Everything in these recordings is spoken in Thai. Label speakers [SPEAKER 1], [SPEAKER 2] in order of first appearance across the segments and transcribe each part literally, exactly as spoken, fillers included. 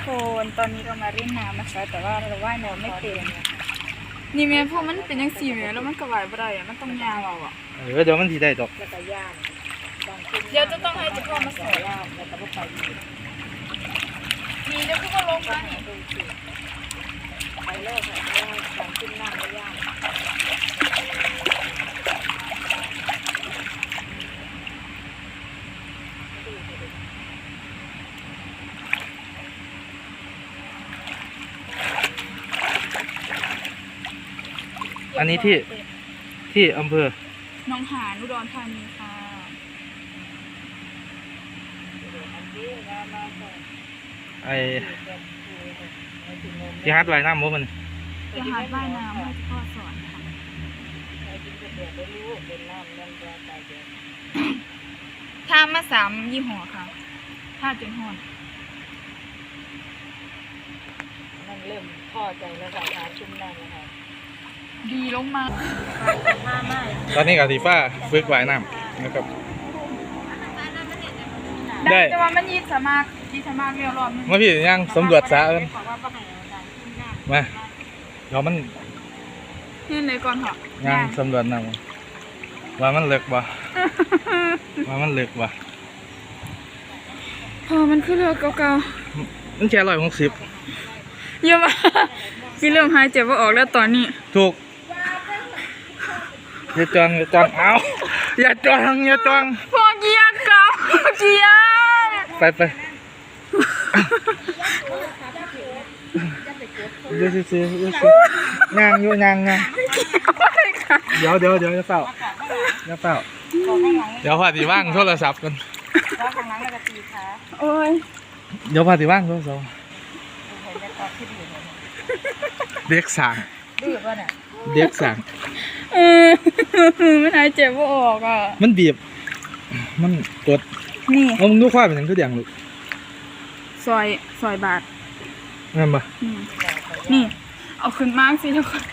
[SPEAKER 1] คนตอนนี้เรามาเล่นน้ำนะคะแต่ว่าเราว่ายน้ำไม่เป็นนี่แม่พวกมันเป็นยังสี่แม่แล้วมันกระวายบ่ได้อะมันต้องยาวเอาอ่ะ
[SPEAKER 2] เออเดี๋ยวมันทีได้ดอก
[SPEAKER 3] แล้วก็ย่าง
[SPEAKER 1] เดี๋ยวจะต้องให้เจ้าพ่อมาสอน
[SPEAKER 3] ย่างแล้วก็ไป
[SPEAKER 1] มีเดี๋ยวพี่ก็ลงมานี่
[SPEAKER 3] ไปเลิกค่ะย่างสองขึ้นนั่งแล้วย่าง
[SPEAKER 2] อันนี้ที่ที่อำเภอ
[SPEAKER 1] หนองหานอุดรธานีค่ะ
[SPEAKER 2] ไอที่ฮัดไว้น้ำมุกมัน
[SPEAKER 1] จะหาดว่ายน้ำให้พ่อสอนค่ะท่ามาสามยี่ห้อค่ะท่าจนหอน
[SPEAKER 3] นั่นเริ่มพอใจแล้วค่ะทานชุ่มได้แล้วค่ะ
[SPEAKER 1] ดีลงมา
[SPEAKER 2] ตอนนี้กับทีฟ้าฝึกว่ายน้ำนะครับได้
[SPEAKER 1] แต่ว่ามันยีสามารถยีสามารถเรียวรอบนึง
[SPEAKER 2] มาพี่ยังสำรวจสระกันมาเดี๋ยวมัน
[SPEAKER 1] ยื่นเลยก่อนเหรอ
[SPEAKER 2] ยังสำรวจน้ำว่ามันเล็กบ่ว่ามันเล็กบ่
[SPEAKER 1] พอมันขึ้นเรือเก่า
[SPEAKER 2] ๆมันแค่ร้อยหกสิบ
[SPEAKER 1] เยอะมากพี่เริ่มหายเจ็บว่าออกแล้วตอนนี้
[SPEAKER 2] ถูกอย่าจองอย่าจองเอาอย่าจองอย่าจอง
[SPEAKER 1] พอเกียร์เก่าเกียร์
[SPEAKER 2] ไปไปเดี๋ยวซื้อเดี๋ยวซื้อย่างอยู่ย่างย่างเดี๋ยวเดี๋ยวเดี๋ยวจะเฝ้าจะเฝ้าเดี๋ยวพาตีว่างโทรศัพท์กัน
[SPEAKER 1] โอ้ย
[SPEAKER 2] เดี๋ยวพาตีว่างโทรศัพท์เด็กสั่งเด็กสั่ง
[SPEAKER 1] เออมันหายเจ็บว่าออกอ่ะ
[SPEAKER 2] มันบีบมันกด
[SPEAKER 1] นี่
[SPEAKER 2] เอามึงดูควายเป็นอย่างทุกอย่างลูก
[SPEAKER 1] ซอยซอยบาท
[SPEAKER 2] นั่นปะ
[SPEAKER 1] นี่เอาขึ้นมากสิทุกคน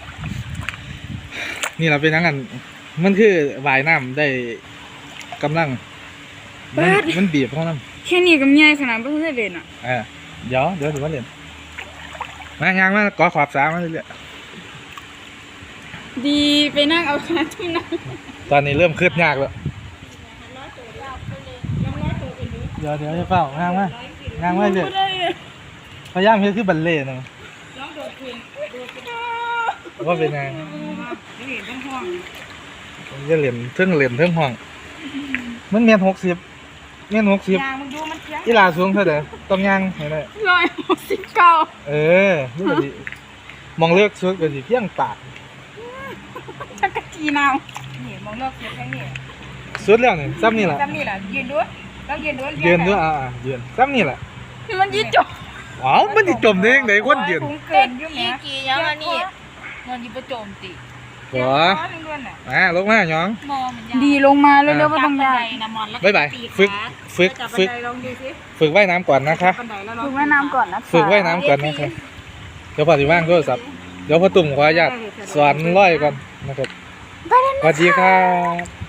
[SPEAKER 2] นี่เราเป็นนักกันมันคือว่ายน้ำได้กำลังมันมันบีบเพราะน้
[SPEAKER 1] ำแค่นี้ก็ใหญ่ขนาดไม่ต้องเล่นอ่ะ
[SPEAKER 2] เออเดี๋ยวเดี๋ยวถือว่าเล่นมางานมาก่อขอบสามาเรื่อย
[SPEAKER 1] ดีไปนั่งเอาคณะทุ่มนั่ง
[SPEAKER 2] ตอนนี้เริ่มคืบยากแล้วเดี๋ยวเดี๋ยวจะเฝ้างานมางานมาเรื่อยพยายามเฮ็ดคือบัลเล่ต์นะว่าเป็นไงจะเหลี่ยมเทิงเหลี่ยมเทิงห้องมันเมียนหกสิบเมียนหกสิบอีลาสูงเท่าไหร่ต้องย่างเห็นไหม
[SPEAKER 1] ร้อยหกสิบเก้า
[SPEAKER 2] เออนี่ก็ดีมองเลือกชุดก็ดีเพียงปาก
[SPEAKER 1] ชักกะจีนาวนี่มองเลือกชุดแค่นี้
[SPEAKER 2] ชุดแล้วนี่ซ้ำนี่แหละ
[SPEAKER 1] ซ้ำนี่แหละยืนด้วยต้องยืนด้วย
[SPEAKER 2] ยืนด้วยอ่ายืนซ้ำนี่แหละ
[SPEAKER 1] ที่มันยืนจม
[SPEAKER 2] อ๋อมันจะจมได้ยังไงคนยืน
[SPEAKER 1] เกินยุ่งแม่
[SPEAKER 3] กี่ยังอันนี้นอนยิบโจมตี
[SPEAKER 2] หัวอ่าลงมาหยอง
[SPEAKER 1] ดีลงมาเร็วๆไม่ต้องยาก
[SPEAKER 2] บ๊ายบายฝึกฝึกฝึกฝึกว่ายน้ำก่อนนะคะ
[SPEAKER 1] ฝึกว่ายน้ำก่อนนะ
[SPEAKER 2] ฝึกว่ายน้ำก่อนนะคะเดี๋ยวพอถึงว่างโทรศัพท์เดี๋ยวพอตุ่มขออนุญาตสอนร้อยก่อนนะครับสวัสดีครับ